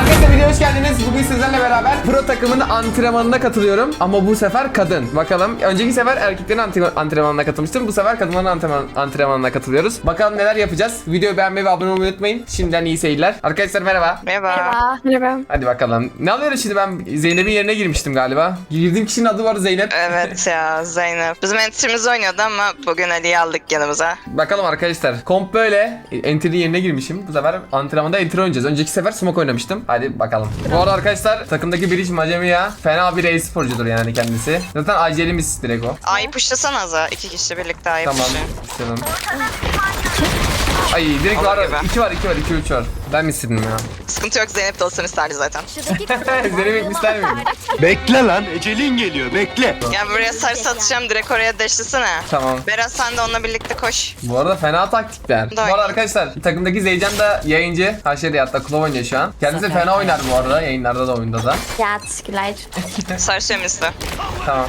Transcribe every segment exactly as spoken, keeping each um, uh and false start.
Arkadaşlar videoya hoş geldiniz. Bugün sizlerle beraber pro takımının antrenmanına katılıyorum. Ama bu sefer kadın. Bakalım. Önceki sefer erkeklerin antrenmanına katılmıştım. Bu sefer kadınların antrenman antrenmanına katılıyoruz. Bakalım neler yapacağız. Videoyu beğenmeyi ve abone olmayı unutmayın. Şimdiden iyi seyirler. Arkadaşlar merhaba. Merhaba. Merhaba. Hadi bakalım. Ne alıyoruz şimdi? Ben Zeynep'in yerine girmiştim galiba. Girdiğim kişinin adı var Zeynep. Evet ya Zeynep. Bizim entrimiz oynuyordu ama bugün Ali'yi aldık yanımıza. Bakalım arkadaşlar. Komp böyle. Entry'nin yerine girmişim. Bu sefer antrenmanda entry oynayacağız. Önceki sefer smoke oynamıştım. Hadi bakalım. Bu arada arkadaşlar takımdaki Biriş Macemi ya. Fena bir e-sporcudur yani kendisi. Zaten acelimiz direkt o. A'yı puşlasana Aza. İki kişi birlikte A'yı Tamam. puşlayın. İstedim. Ay direkt var. iki var, iki var, iki üç var. Ben mi istedim ya? Sıkıntı yok, Zeynep de olsun isterdi zaten. Zeynep ister miyim? Bekle lan, ecelin geliyor, bekle. Ya buraya sarı atacağım, direkt oraya deşlisene. Tamam. Berat sen de onunla birlikte koş. Bu arada fena taktikler. Bu Aynen. arada arkadaşlar takımdaki Zeycan da yayıncı. Haşeri hatta Klov oynuyor şu an. Kendisi fena oynar bu arada. Yayınlarda da oyunda da. Ya teşekkürler. Sarı şemisli. Tamam.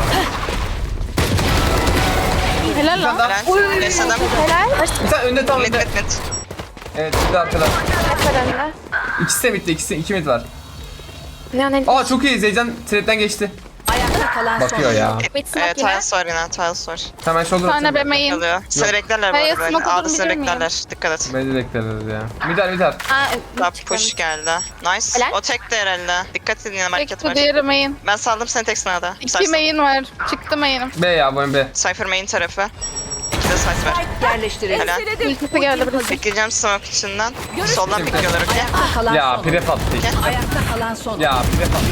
Helal lan. Tamam. Helal. Yaşadım. Helal. Bir tane önde tam Mid önde. mid mid. Evet bir de arkada. Kaç var önde? İkisi de bitti. İkisi iki mid var. Ne ne? Aa çok iyi. Zeycan trap'ten geçti. Ayakta kalan Bakıyor ya. Wait smoke Evet, yine. Tiles var yine, Tiles var. Hemen shoulder Sonra atayım. bebeğim. Alıyor. Seni beklerler bu Hayır, arada. smoke A'da olduğunu seni bilir miyim? beklerler. Dikkat et. Beni de bekleriz ya. Midar midar. Aa, Top push geldi. Nice. Helal. O tek de herhalde. Dikkat edin yine market Tek bu var. diğeri main. Ben saldım seni tek sınavda. İki main var. Çıktı main'im. B ya bu B. Cypher main tarafı. İki de cypher var. yerleştirildi. Helal. İlkisi geldi burası. Bekleyeceğim smoke içinden. Soldan bekliyorlar okey. Ayakta kalan Ya son. pref attı. Ayakta kalan son. Ya pref attı.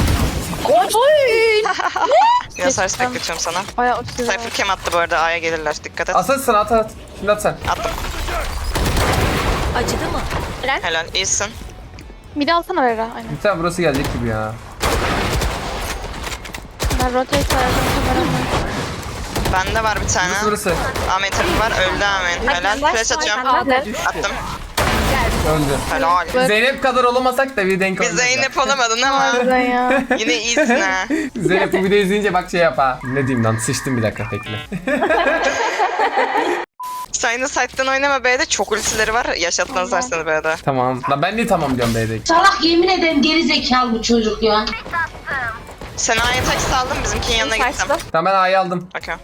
Yine sarısı bekletiyorum sana. Bayağı uçtu. Cypher kem attı bu arada, A'ya gelirler. Dikkat et. Asıl sen at at. Şimdi at sen. Attım. Acıdı mı? Helal, iyisin. Midi alsana Vera. Aynen. Bir tane burası gelecek gibi ya. Ben rotate verdim. Kameramı. Bende var bir tane. Burası burası. Amen tarafı var. Öldü Amen. Helal. Flash atıyorum. Hadi. Attım. Öldü. Helal. Zeynep kadar olamasak da bir denk Bir olacak. Zeynep olamadın ama Harbiden ya. yine iyisin ha. Zeynep bu videoyu izleyince bak şey yap ha. Ne diyeyim lan sıçtım bir dakika bekle. Sen de site'den oynama B'de. Çok ultileri var. Yaşatmazlar seni B'de. Tamam. Lan ben de tamam diyorum B'deki. Salak yemin ederim geri zekalı bu çocuk ya. Sen A'ya tek saldım. Bizimkinin yanına gittim. Saçlı. Tamam ben A'yı aldım. Okey.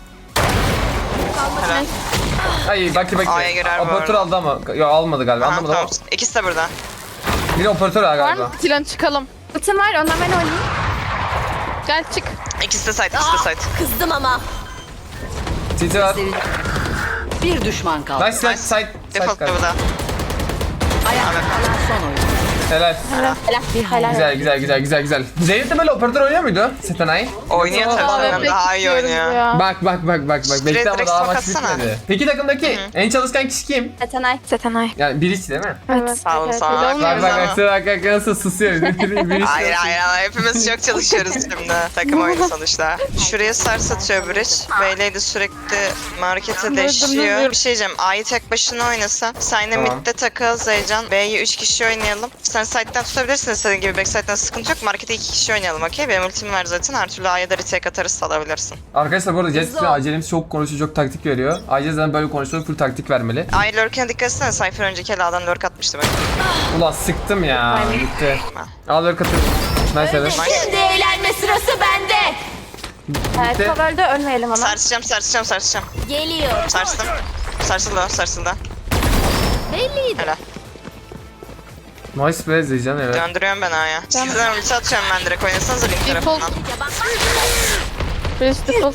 Helal. Ay bak bak. A'ya girer bu Operatör arada. aldı ama. Yok almadı galiba. Aha, Anlamadım tamam. ama. İkisi de burada. Biri operatör Var galiba. mı? Silan çıkalım. Ultim var. Ondan ben oynayayım. Gel çık. İkisi de site. İkisi de site. Kızdım ama. Titi var. Bir düşman kaldı. Nice side side. Side Default galiba. burada. Ayakta kalan son oyun. Helal. Helal. Helal. Güzel güzel güzel güzel güzel. Zeynep de böyle operatör oynuyor muydu? Setenay. Oynuyor Yoksa o- tabii. Aa, Senden pek daha iyi istiyoruz oynuyor. ya. Bak bak bak bak bak. Direkt- Bekle ama direkt daha smoke maç atsana. bitmedi. Peki takımdaki en çalışkan kişi kim? Setenay. Setenay. Yani Biriç değil mi? Evet. Sağ olun, evet, sağ olun. öyle Bak olmuyor. bak Ama- bak bak bak nasıl susuyor. Biriç. Hayır hayır ama hepimiz çok çalışıyoruz şimdi. Takım oyunu sonuçta. Şuraya sars atıyor Bridge. Beyleydi sürekli markete Dur, dur, deşiyor. dur. Bir şey diyeceğim. A'yı tek başına oynasa. Sen de Tamam. midde takıl Zeycan. B'yi üç kişi oynayalım. Sen side'den tutabilirsin istediğin gibi. Backside'den sıkıntı yok. Markete iki kişi oynayalım okey. Benim ultim var zaten. Her türlü A'ya da retake atarız, salabilirsin. Arkadaşlar bu arada Jet için acelemiz çok konuşuyor, çok taktik veriyor. Ayrıca zaten böyle konuşuyor, full taktik vermeli. A'yı lurk'e dikkat etsene. Cypher önceki el A'dan lurk atmıştı bak. Ulan sıktım ya. Gitti. Al ver katı. Nice evet. Şimdi eğlenme sırası bende. Evet, Bitti. cover'da ölmeyelim ama. Sarsacağım, sarsacağım, sarsacağım. Geliyor. Sarstım. Sarsıldı, sarsıldı. Belliydi. Helal. Nice be Zeycan evet. Döndürüyorum ben A'ya. Sizden ulti atıyorum ben direkt. Oynasanıza link Default. tarafından. Bridge default.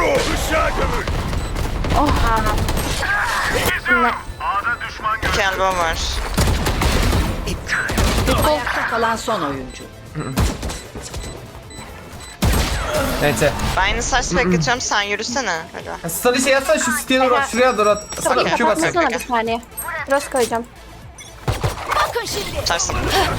Oh. İki elbow var. Ayakta kalan son oyuncu. Neyse. Ben yine saç bekletiyorum, sen yürüsene. Hadi. Stun şey atsana şu siteye doğru at. Şuraya doğru at. Sana Okey. Q basın. Kapatmasana bir saniye. Cross koyacağım. Sarsın.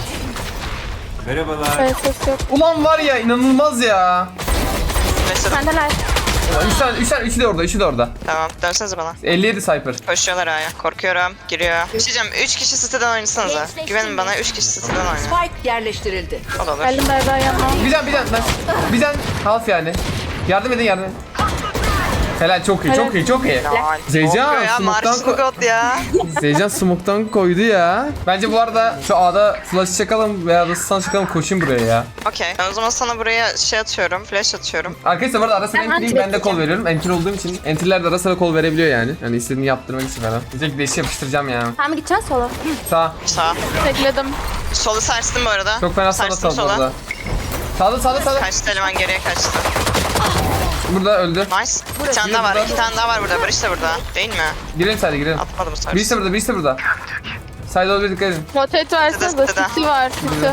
Evet ses yok. Ulan var ya inanılmaz ya. Mesela. Sendeler. Ulan üç tane, üç tane, üçü de orada, üçü de orada. Tamam, dönsenize bana. elli yedi Cypher. Koşuyorlar A'ya. Korkuyorum. Giriyor. Bir şey diyeceğim. üç kişi siteden oynasanıza. Güvenin bana, üç kişi siteden oyna. Spike yerleştirildi. O da olur. Geldim Berda yanına. Bir can, bir can. Nice. Bir can. Half yani. Yardım edin, yardım edin. Helal, çok iyi, çok iyi, çok iyi. Lol. Zeycan, Ne oluyor ya? smoke'tan Marşlı ko- God ya. Zeycan smoke'tan koydu ya. Bence bu arada şu A'da flash çakalım veya da stun çakalım, koşayım buraya ya. Okey. O zaman sana buraya şey atıyorum. Flash atıyorum. Arkadaşlar bu arada ara sıra Ben entriyim, ben de kol anti-bekleyeceğim. veriyorum. Entry olduğum için entry'ler de ara sıra kol verebiliyor yani. Yani istediğini yaptırmak için falan. Diyecek deşi yapıştıracağım ya. Sen mi gideceksin solo? Sağ. Sağ. Bekledim. Solu sarstım bu arada. Çok fena sana Sarstım sağ bu arada. Sağda sağda sağda. Kaçtı eleman geriye kaçtı. Burada öldü. Nice. Bir tane daha var. burada. iki tane daha var burada. Barış da burada. Değil mi? Girelim sayda girelim. Atmadım bu sefer. Birisi de burada, birisi de burada. Sayda olabilir, dikkat edin. Rotate versene de Tıdı. City var. City.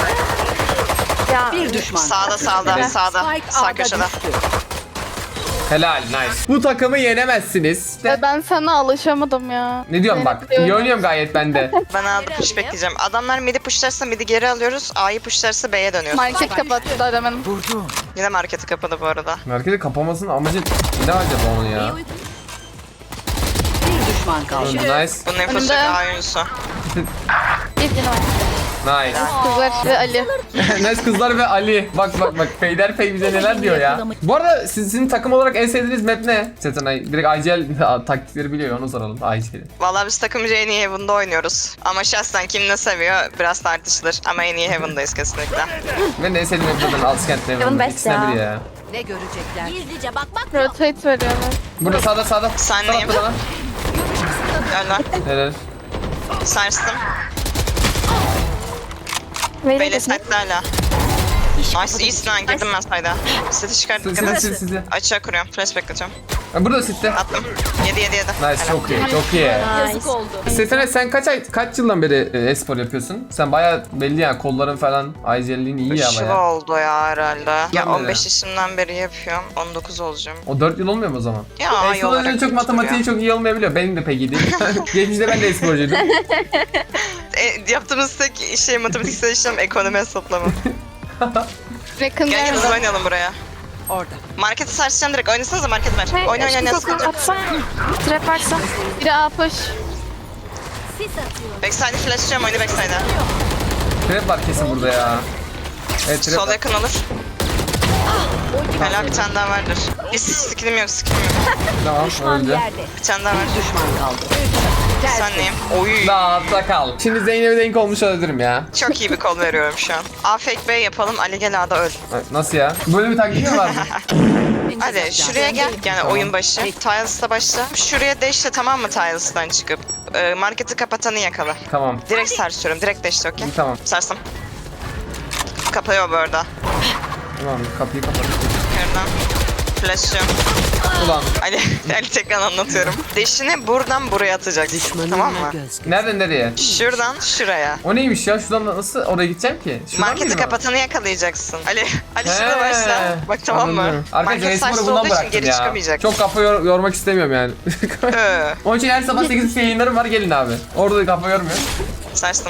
Ya Bir düşman Sağda sağda Evet. sağda. Spike Sağ A'da köşede. düştü. Helal, nice. Bu takımı yenemezsiniz. De- e, ben sana alışamadım ya. Ne diyorum bak, iyi oynuyorum gayet ben de. Ben A'da push bekleyeceğim. Adamlar mid'i pushlarsa mid'i geri alıyoruz. A'yı pushlarsa B'ye dönüyoruz. Market kapattı da hemen. Yine marketi kapadı bu arada. Marketi kapamasının amacı ne acaba onun ya? Bir düşman kaldı. Öldü, nice. Bunun infosu Önde. A oyuncusu. Bir gün var. Nice. Kızlar ve Ali. Nice kızlar ve Ali. Bak bak bak, Peyderpey bize neler diyor ya. Bu arada sizin takım olarak en sevdiğiniz map ne? Setenay direkt I G L taktikleri biliyor, onu soralım I G L'i. Vallahi biz takımca en iyi Heaven'da oynuyoruz. Ama şahsen kim ne seviyor biraz tartışılır. Ama en iyi Heaven'dayız kesinlikle. Ben de en sevdiğim map zaten Alskent'te. Yılın best İkisinden ya. biri ya. Ne görecekler? Gizlice bakmak Rotate veriyorlar. Burada sağda sağda. Senleyim. Sağda bana. Öyle. Helal. Sarstım. Verin Böyle de. site'de hala. Nice iyisin ha girdim ben sayda. Seti çıkarttık Sizi kadar. sizi sizi. Açığa kuruyorum. Flash bekletiyorum. Burada sitte. Attım. yedi yedi yedi. Nice, çok iyi, çok iyi. Yazık oldu. Setenay, sen kaç ay, kaç yıldan beri e, e-spor yapıyorsun? Sen bayağı belli yani, kolların falan, I G L'liğin iyi ya üç yıl bayağı. oldu ya herhalde. Ya Ben de. on beş yaşımdan beri yapıyorum. on dokuz olacağım. O dört yıl olmuyor mu o zaman? Ya, E-spor iyi olarak oyuncu çok yoktur matematiği ya. çok iyi olmayabiliyor. Benim de pek iyi değil. Geçmişte ben de e-sporcuydum. E, yaptığımız tek şey matematiksel işlem ekonomi hesaplama. Yakın Gel geldi. hızlı oynayalım buraya. orada. Marketi sarsacağım direkt. Oynasanıza marketi ver. Hey, Oyna oyna oyna. koku Sıkıntı yok. atsana. Trap varsa. Biri A push. Backside'i flashlıyorum oyunu backside'a. Trap var kesin burada ya. Evet, trap Sol var. yakın olur. Hala bir tane daha vardır. Hiç skillim yok skillim yok. Tamam, öldü. Bir tane daha var. Düşman kaldı. Sen neyim? Oy. Dağıtta kal. Şimdi Zeynep'e denk olmuş olabilirim ya. Çok iyi bir kol veriyorum şu an. A fake B yapalım. Ali gel A'da öl. Ay, nasıl ya? Böyle bir taktik mi var? Ali şuraya gel. Yani oyun başı. Tiles'ta başla. Şuraya dash'le tamam mı Tiles'tan çıkıp? Ee, marketi kapatanı yakala. Tamam. Direkt sarsıyorum. Direkt dash'le okey. Tamam. Sarsım. Kapıyor bu arada. Tamam, kapıyı kapat. Yukarıdan. Flash'lıyorum. Ulan. Ali, Ali tekrar anlatıyorum. Dash'ini buradan buraya atacaksın. Tamam mı? Nereden nereye? Şuradan şuraya. O neymiş ya? Şuradan nasıl oraya gideceğim ki? Şuradan Marketi mıydı o? kapatanı yakalayacaksın. Ali, Ali He, şurada başla. Bak tamam mı? anladım. Arkadaşlar Market e-sporu saçlı bundan olduğu için bıraktım geri ya. çıkamayacak. Çok kafa yor- yormak istemiyorum yani. Ee, Onun için her sabah sekiz yayınlarım var, gelin abi. Orada da kafa yormuyor. Sarsın.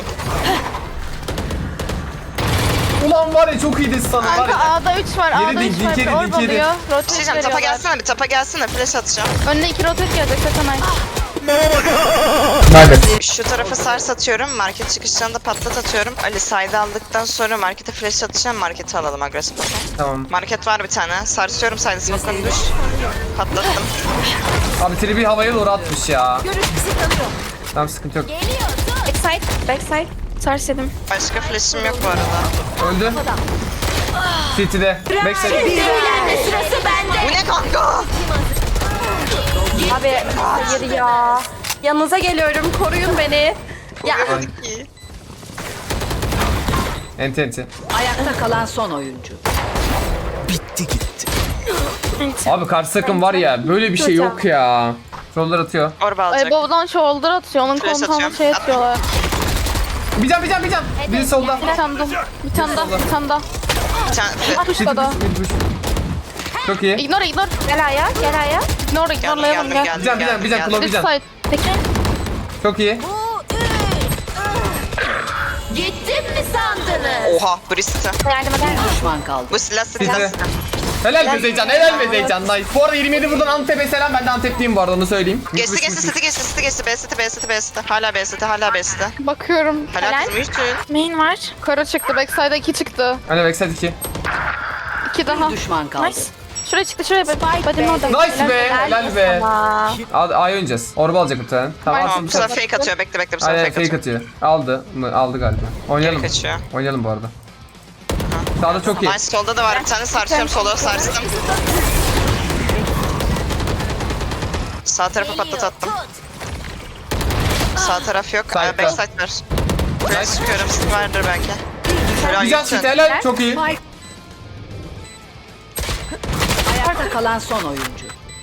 Ulan var ya, çok iyi de sana var Kanka ya. A'da üç var. Yedi A'da dik, üç var. dik yedi, Bir orb dik yedi. oluyor. Bir şey Rotate diyeceğim. Tapa veriyorlar. gelsene bir tapa gelsene. Flash atacağım. Önüne iki rotate gelecek Setenay. Naybet. Şu tarafa sars atıyorum. Market çıkışlarında patlat atıyorum. Ali side'ı aldıktan sonra markete flash atacağım. Marketi alalım agresif. Okay? Tamam. Market var bir tane. Sarsıyorum side'ı. Smoke'unu düş. Patlattım. Abi tribi havaya doğru atmış ya. Tamam, sıkıntı yok. Backside. Backside. Sars yedim. Başka flash'im yok bu arada. Öldü. City'de. Backside. Sırası bende. Bu ne kanka? Abi hayır ya. Yanınıza geliyorum. Koruyun beni. Ya. Koyamadık ki. Enti enti. Ayakta kalan son oyuncu. Abi karşı takım var ya, böyle bir şey yok ya. Shoulder atıyor. Orba Ay alacak. babadan shoulder atıyor. Onun Flash komutanı atıyorum. şey At. atıyorlar. Bir can bir can bir can. Biri solda. Bir tane daha. Bir tane daha. Bir tane daha. Bir tane flash. Push'ta da. Mid push. Çok iyi. Ignore ignore. Gel aya. Gel aya. Ignore Geldim ignorelayalım geldim gel. geldim. Bir can bir can bir can. geldim. Kulağı bir Üst can. side. Peki. Çok iyi. Gittim mi sandınız? Oha Bristol. Yardım eder misin? Düşman kaldı. Bu silah City'de. silah. Helal be Zeycan, helal be Zeycan. Nice. Bu arada yirmi yedi buradan Antep'e selam. Ben de Antep'liyim bu arada, onu söyleyeyim. Geçti geçti city geçti city geçti B city B city B city. Hala B city hala B city. Bakıyorum. Helal kızım üç tün. Main var. Kara çıktı. Backside'a iki çıktı. Hani backside iki. İki daha. Düşman kaldı. Nice. Şuraya çıktı şuraya. Badem orada. Nice be, helal be. sana. Al, A'yı oynayacağız. Orba alacak bir tane. Tamam. Tamam, alsın bu bu sefer sefer. fake atıyor. Bekle bekle bu sefer Aynen fake fake atıyor. atıyor. Aldı. Bunu aldı galiba. Oynayalım. Geri kaçıyor. Oynayalım bu arada. Sağda çok iyi. Nice, solda da var bir tane, sarsıyorum sola, sarstım. Sağ tarafa patlat attım. Sağ taraf yok. Side'da. Ee, backside var. Şuraya sıkıyorum, sık vardır belki. Şöyle Güzel yürütün. çift helal. Çok iyi. Spike. Ayakta kalan son oyuncu.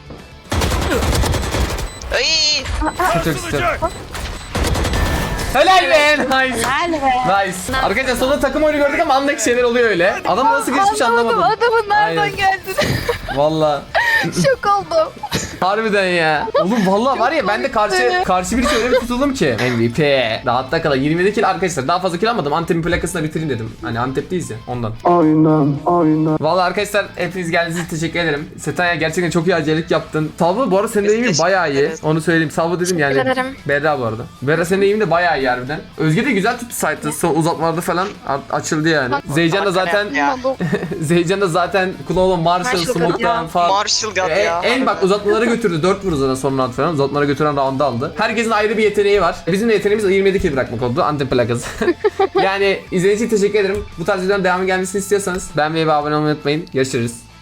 Ay! Çok istedim. Helal be. Nice. Helal be. Nice. Arkadaşlar sonunda takım oyunu gördük ama andaki şeyler oluyor öyle. Adam nasıl geçmiş anlamadım. Adamın nereden Aynen. geldi? Valla. Şok oldum. Harbiden ya. Oğlum valla var ya ben de karşı karşı birisi öyle bir tutuldum ki. M V P. Rahatta kala yirmi yedi kill arkadaşlar. Daha fazla kill almadım. Antep'in plakasına bitireyim dedim. Hani Antep'teyiz ya ondan. Aynen. Aynen. Valla arkadaşlar hepiniz geldiğiniz için teşekkür ederim. Setanya gerçekten çok iyi acelik yaptın. Salvo bu arada senin de eğimin Teşekkür bayağı iyi. ederiz. Onu söyleyeyim. Salvo dedim yani. Teşekkür ederim. Berra bu arada. Berra senin eğimin de bayağı iyi harbiden. Özge de güzel tuttu site'ı. Son uzatmalarda falan a- açıldı yani. Zeycan da zaten Ya. Zeycan da zaten Klolo Marshall Marshall Smoke'dan ya. falan. Marshall God E, ya. en bak uzatmalara götürdü. dört vurdu zaten son round falan. Uzatmalara götüren round'u aldı. Herkesin ayrı bir yeteneği var. Bizim de yeteneğimiz yirmi yedi kill bırakmak oldu. Antep plakası. Yani izlediğiniz için teşekkür ederim. Bu tarz videoların devamı gelmesini istiyorsanız beğenmeyi ve abone olmayı unutmayın. Görüşürüz.